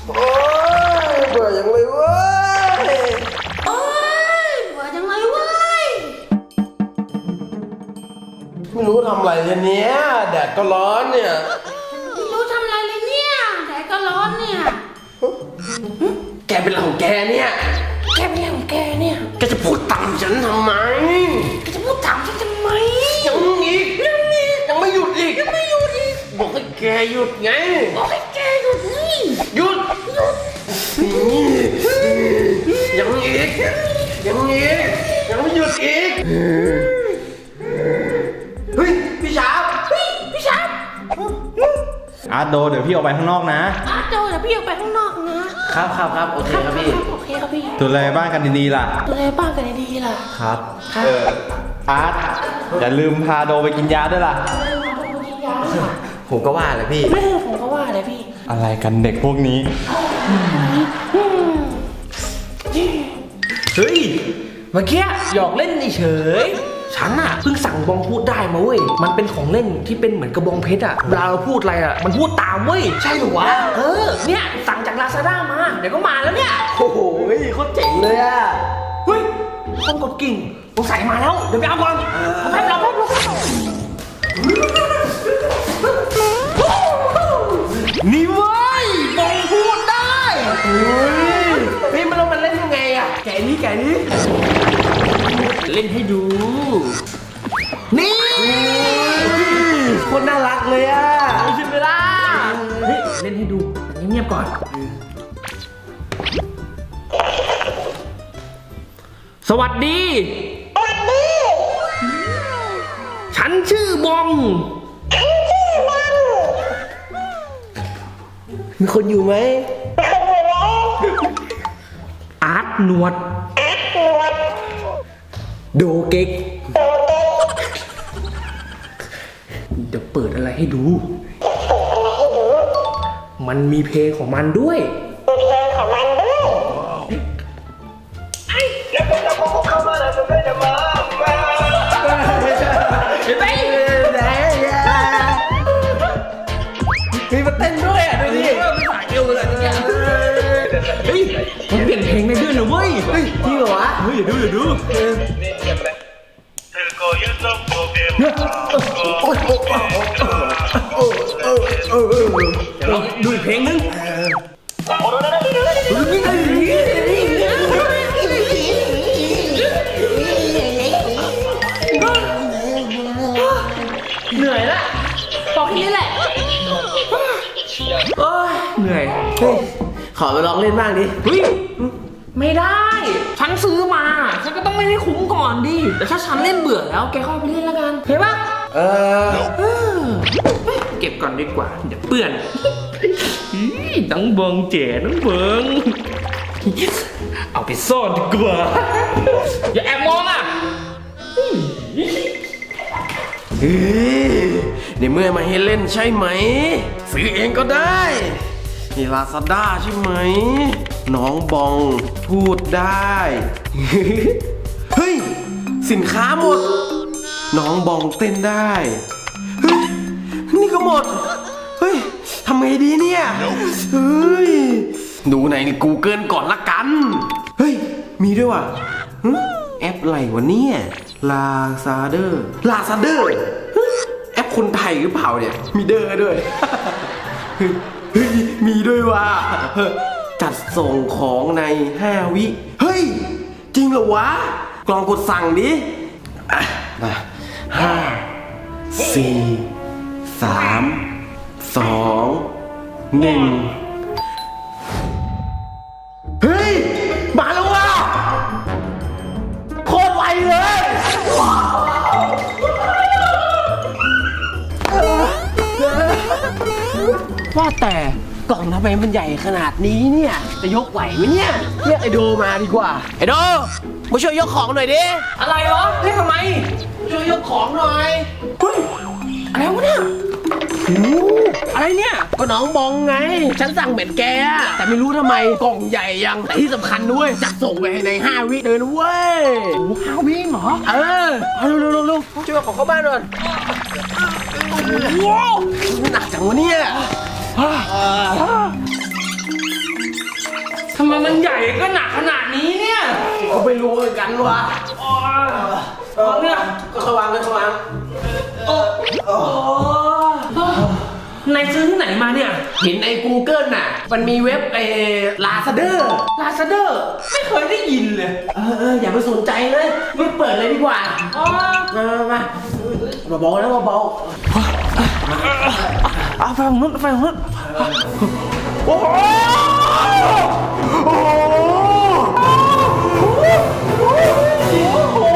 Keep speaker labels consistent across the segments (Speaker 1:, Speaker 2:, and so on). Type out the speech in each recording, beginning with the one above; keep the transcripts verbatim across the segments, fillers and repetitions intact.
Speaker 1: โอ้ยเบื่อยังเลยเว้ย
Speaker 2: โอ้ยเบื่อจังเลยเว้ย
Speaker 1: ไม่รู้ทำอะไรเลยเนี้ยแดดก็ร้อนเนี่ย
Speaker 2: ไม่รู้ทำอะไรเลยเนี่ยแดดก็ร้อนเนี่ย
Speaker 1: แกเป็นอะไรของแกเนี่ย
Speaker 2: แกเป็นอะไรของแกเนี่ย
Speaker 1: แกจะพูดต่ำฉันทำไม
Speaker 2: แกจะพูดถามฉันทำไม
Speaker 1: ยังอีกยังอีกยังไม่หยุดอีก
Speaker 2: ยังไม่หยุดอีก
Speaker 1: บอกให้แกหยุดไง
Speaker 2: บอกให้แกหยุดนี่
Speaker 1: หยุดหยุดยังอีกยังอีกยังไม่หยุดอีกเฮ้ยพี่ชาบ
Speaker 2: เฮ้ยพี่ชาบ
Speaker 3: อาร์ตโดเดี๋ยวพี่ออกไปข้างนอกนะ
Speaker 2: อาร์ตโดเดี๋ยวพี่ออกไปข้างนอกนะครับ
Speaker 1: ครับครับโอเคครับพี่
Speaker 2: โอเคครับพี่
Speaker 3: ดูแลบ้านกันดีๆล่ะ
Speaker 2: ดูแลบ้านกันดีๆล่ะ
Speaker 3: ครับเอออาร์ตอย่าลืมพาโดไปกินยาด้วยล่ะ
Speaker 1: ผมก็ว่าเลยพี่
Speaker 2: ไม่ผมก็ว่าเลยพี่
Speaker 3: อะไรกันเด็กพวกนี้
Speaker 1: เฮ้ยเมื่อกี้หยอกเล่นเฉยฉันอะเพิ่งสั่งบองพูดได้มาเว้ยมันเป็นของเล่นที่เป็นเหมือนกระบองเพชรอะเวลาเราพูดอะไรอะมันพูดตามเว้ยใช่หรือวะเออเนี่ยสั่งจากลาซาด้ามาเดี๋ยวก็มาแล้วเนี่ยโอ้โหโคตรเจ๋งเลยอะเฮ้ยคนกดกิ่งสงสัยมาแล้วเดี๋ยวไปเอาก่อนเอาแป๊บเราแป๊บเรานี่เว้ยบองพูดได้เฮ้ยนี่มันเรามันเล่นยังไงอะแกนี้แกนี้เล่นให้ดูนี่คนน่ารักเลยอ่ะใช่ไหมล่ะเฮ้ยเล่นให้ดูเงียบๆก่อนสวัสดีสวัสดีฉันชื่อบองมีคนอยู่ไหมอาร์ตหนวดโดเก๊กเดี๋ยวเปิดอะไรให้ดูมันมีเพลงของมันด้วยเพลงของมันด้วยไอ้แล้วก็จะพูดเข้ามาแล้วจะไม่จะมาเฮ้ยมีมาเต้นด้วยอ่ะดูดิไม่สายเอวเลยเนี่ยเฮ้ยมันเปลี่ยนเพลงได้ด้วยนะเว้ยเฮ้ยจริงเหรอวะเฮ้ยอย่าดูอย่าดูเราดูอีกเพลงนึงเหนื่อยละบอกแค่นี้แหละโอ้ยเหนื่อยเฮ้ยขอไปลองเล่นบ้างดิเฮ้ยไม่ได้ฉันซื้อมาฉันก็ต้องเล่นให้คุ้มก่อนดิแต่ถ้าฉันเล่นเบื่อแล้วแกเข้าไปเล่นแล้วกันเห็นปะเออเก็บก่อนดีกว่าเดี๋ยวเปื่อนน้องเบิงเจ๋น้องเบิงเอาไปซ่อนดีกว่าอย่าแอบมองอ่ะในเมื่อมาให้เล่นใช่ไหมซื้อเองก็ได้นี่ลาซาด้าใช่ไหมน้องบองพูดได้เฮ้ยสินค้าหมดน้องบองเต้นได้เฮ้ยนี่ก็หมดเฮ้ยทำไงดีเนี่ยเฮ้ยดูใน Google ก่อนละกันเฮ้ยมีด้วยว่ะแอปอะไรวะเนี่ยลาซาเดอร์ลาซาเดอร์แอปคนไทยหรือเปล่าเนี่ยมีเดอร์ด้วยเฮ้ยมีด้วยว่ะจัดส่งของในห้าวิเฮ้ยจริงเหรอวะกลองกดสั่งดิมาห้าสี่สามสองหนึ่งเฮ้ยมาแล้วว่ะโคตรไวเลยว่าแต่กล่องทำไมมันใหญ่ขนาดนี้เนี่ยจะยกไหวไหมเนี่ยเรียกไอโดมาดีกว่าไอโดมาช่วยยกของหน่อยดิอะไรวะเรียกทำไมช่วยยกของหน่อยเฮ้ยอะไรวะเนี่ยโอ้อะไรเนี่ยก็น้องบองไงฉันสั่งเบ็ดแกแต่ไม่รู้ทำไมกล่องใหญ่ยังแต่ที่สำคัญด้วยจัดส่งไปในห้าวิเลยนะเว้ยโอ้ห้าวิเหรอเออเอาเร็วเร็วเร็วช่วยของเข้าบ้านหน่อยว้าวหนักจังวะเนี่ย
Speaker 4: ทำไมมันใหญ่ก็หนักขนาดนี้เนี่ย
Speaker 1: ก็ไม่รู้เหมือนกันว่ะ
Speaker 4: อ๋อเออเนี่ย
Speaker 1: ก็ระวังเลยระวัง
Speaker 4: โอ้โอ้นายซื้อที่ไหนมาเนี่ย
Speaker 1: เห็นใน Google น่ะ มันมีเว็บเอลาซาเดอร์
Speaker 4: ลาซาเดอร์ไม่เคยได้ยินเลย
Speaker 1: เออเอออย่าไปสนใจเลยรีบเปิดเลยดีกว่า
Speaker 4: อ๋อ
Speaker 1: มามามาเบาๆนะเบา
Speaker 4: เอาไปของนู้นไปของนู้นโอ้โหโอ้โห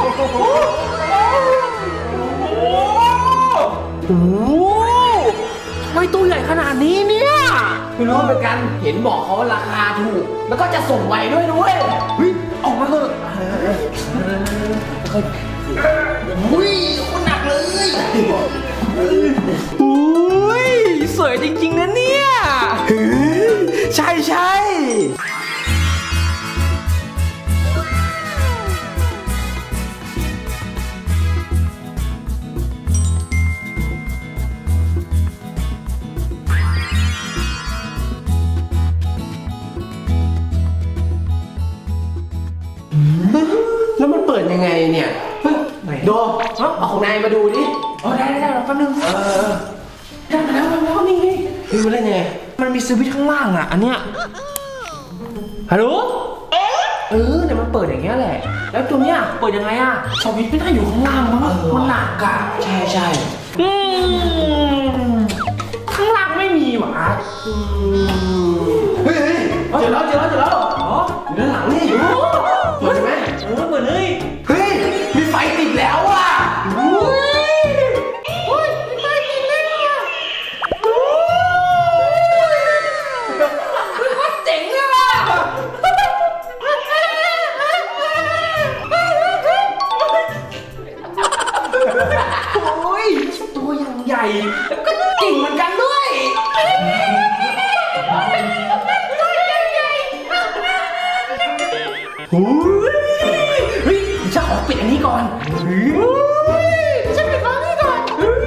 Speaker 4: โอ้โหทำไมตัวใหญ่ขนาดนี้เนี่ย
Speaker 1: ๆไม่รู้เหมือนกันเห็นบอกเขาว่าราคาถูก แล้วก็จะส่งไวด้วยด้วยเฮ้ยออกมาเถอะอุ้ยคนหนักเลย
Speaker 4: อุ้ยสวยจริงๆนะเนี่ย
Speaker 1: ใช่ใช่แล้วมันเปิดยังไงเนี่ยเฮ้ยโดเอาของนายมาดูดิ
Speaker 4: อ๋อได้ได้ได้รอแป๊บนึง
Speaker 1: เออ
Speaker 4: ได้มาแล้วมาแล้วนี่ไง
Speaker 1: เฮ้ยมันเล่นยังไง
Speaker 4: มันมีสวิตช์ข้างล่างอ่ะ อันเนี้ยฮัลโหลเออเดี๋ยวมันเปิดอย่างเงี้ยแหละ แล้วตัวเนี้ยเปิดยังไงอ่ะสวิตช์ไม่ได้อยู่ข้างล่างมั้งมันหนักอ่ะ
Speaker 1: ใช่ใช่
Speaker 4: อืมข้างล่างไม่มีหวะ
Speaker 1: เฮ้ยเฮ้ยเจอแล้วเจอแล้วเจอแล้ว
Speaker 4: อ๋อ
Speaker 1: อยู่ด้านหลังนี่อยู่เปิดใช่ไหม
Speaker 4: เออเปิดเลย
Speaker 1: เฮ้ยมีไฟติดแล้วอ่ะ
Speaker 4: อุ้ย
Speaker 2: อุ้ยไปกินเล่นอ่ะ
Speaker 4: เจ๋งเลยว่ะ โอ้ยตัวอย่างใหญ่แล้วก็เก่งเหมือนกันด้วย โอ้ยเฮ้ยฉันขอปิดอันนี้ก่อน
Speaker 2: ฉันไปขอนี่ก่อน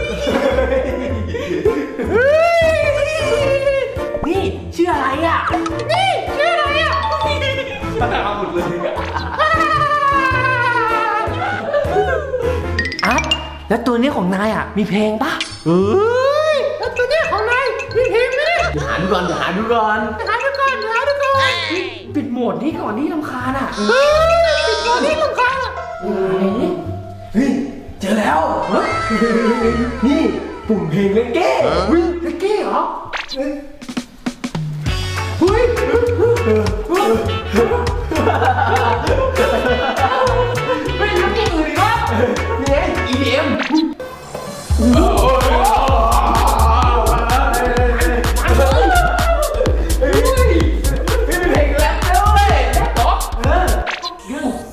Speaker 4: นี่ชื่ออะไรอ่ะ
Speaker 2: นี่ชื่ออะไรอ่ะ
Speaker 4: เอาหมดเลยอาร์ตแล้วตัวนี้ของนายอ่ะ มีเพลงปะ
Speaker 1: เฮ้ย
Speaker 2: แล้วตัวเนี้ยของนายมีเพลงไหมเนี่ย
Speaker 1: หาดูก่อนหาดูก่อน
Speaker 2: หาดูก่อนหาดูก่อน
Speaker 4: ปิดโหมดนี้ก่อนนี่รำคาญอ่ะ
Speaker 2: เฮ้ยปิดตัวนี้ลงค่ะ
Speaker 4: ไหนนี่
Speaker 1: เฮ้ยเจอแล้วเฮ้ยนี่ปุ่มเพลงเลกเก้เฮ้ย
Speaker 4: เลกเก้เหรอ
Speaker 1: เฮ้ย
Speaker 4: เฮ้ยไม่ทำอย่างอื่นอีกวะ
Speaker 1: นี่ไง อี ดี เอ็ม เฮ้ยมีเพลงแรปด้วยเออ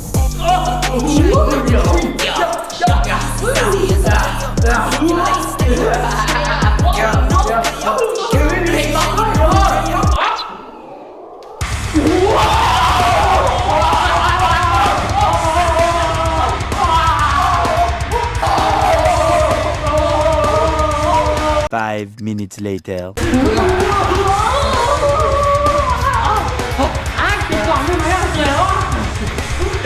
Speaker 5: Five minutes later.
Speaker 4: อ่ะปิดก่อนได้ไหมอ่ะเจ๋ว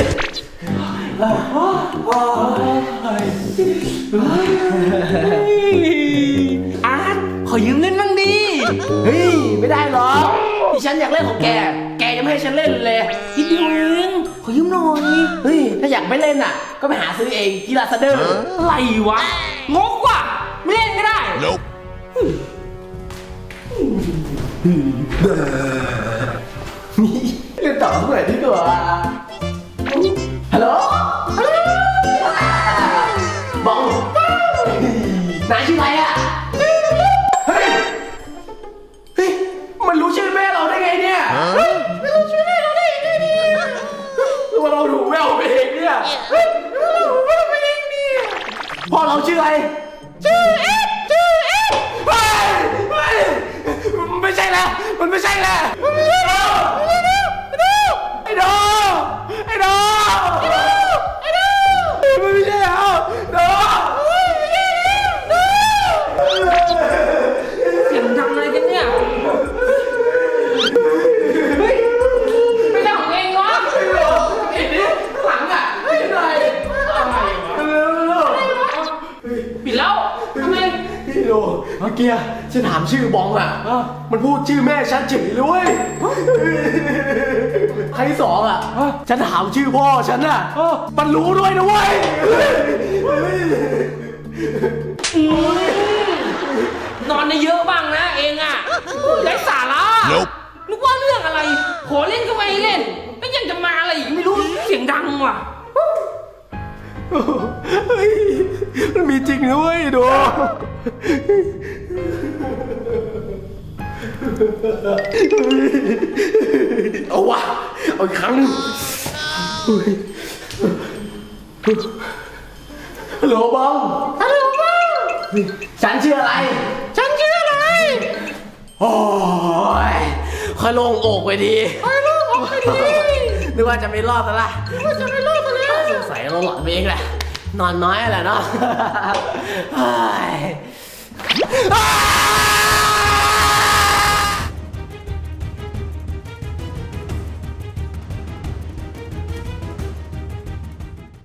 Speaker 4: อาร์ตขอยืมเล่นบ้างดิ
Speaker 1: เฮ้ย ไม่ได้หรอกที่ฉันอยากเล่นของแก แกยังไม่ให้ฉันเล่นเลย
Speaker 4: นิดเดียวเองขอยืมหน่อย
Speaker 1: เฮ้ย ถ้าอยากไม่เล่นอ่ะ ก็ไปหาซื้อเองที่ลาซาเดอร์
Speaker 4: อะไรวะ งกว่ะ ไม่เล่นก็ได้
Speaker 5: Nope.
Speaker 1: เล่นต่อเมื่อไหร่ดีกว่าฮัลโหลฮัลโหลบองนายชื่ออะไรอ่ะ เฮ้ย เฮ้ย มันรู้ชื่อแม่เราได้ไงเนี่ย
Speaker 2: ไม่รู้ชื่อแม่เราได้ยังไงเนี่ย
Speaker 1: ว่าเราถูกแม่เราไปเองเนี่ย
Speaker 2: เฮ้ยเราไม่ได้ไปเองเนี่ย
Speaker 1: พ่อเราชื่ออะไร
Speaker 2: ชื่อเอฟชื่อเอฟ
Speaker 1: เฮ้ยเฮ้ยไม่ใช่แล้ว มันไม่ใช่แล้ว
Speaker 2: ไม่ใช่แล้วไม่ใช่แล้วไอ้ดู
Speaker 1: ไอ้โดไอ้โด
Speaker 2: ไอ้ดูไอ้ดู
Speaker 1: มันไม่ใช่แล้วโด
Speaker 2: ไม่ใช่แล้วดู
Speaker 4: เสียงดังอะไรกันเนี่ย เฮ้ย
Speaker 1: ชื่อบองอ่ะ
Speaker 4: เออ
Speaker 1: มันพูดชื่อแม่ฉันเฉยเลยเว้ยครั้งที่สองอ่ะ
Speaker 4: เออ
Speaker 1: ฉันถามชื่อพ่อฉันอ่ะ
Speaker 4: เออ
Speaker 1: มันรู้ด้วยนะเว้ย
Speaker 4: นอนในเยอะบ้างนะเองอ่ะไร้สาระนึกว่าเรื่องอะไร ขอเล่นก็ไม่ให้เล่นแล้วยังจะมาอะไรอีกไม่รู้เสียงดังว่ะ
Speaker 1: เฮ้ยมันมีจริงนะเว้ยดูเอาวะเอาอีกครั้งหนึงฮัลโหลบอง
Speaker 2: ฮัลโหลบ้าง
Speaker 1: ฉันชื่ออะไร
Speaker 2: ฉันชื่ออะไร
Speaker 1: โอ้ยค่อยโล่งอกไปดี
Speaker 2: ไอ้ลูกออกไปดิ
Speaker 1: นึกว่าจะไม่รอดซะละ
Speaker 2: ว่าจะไม่รอดซะแล้ว
Speaker 1: สงสัยเราหลอนไปเองแหละ นอนน้อยแหละเนาะเฮ้ยอ้าย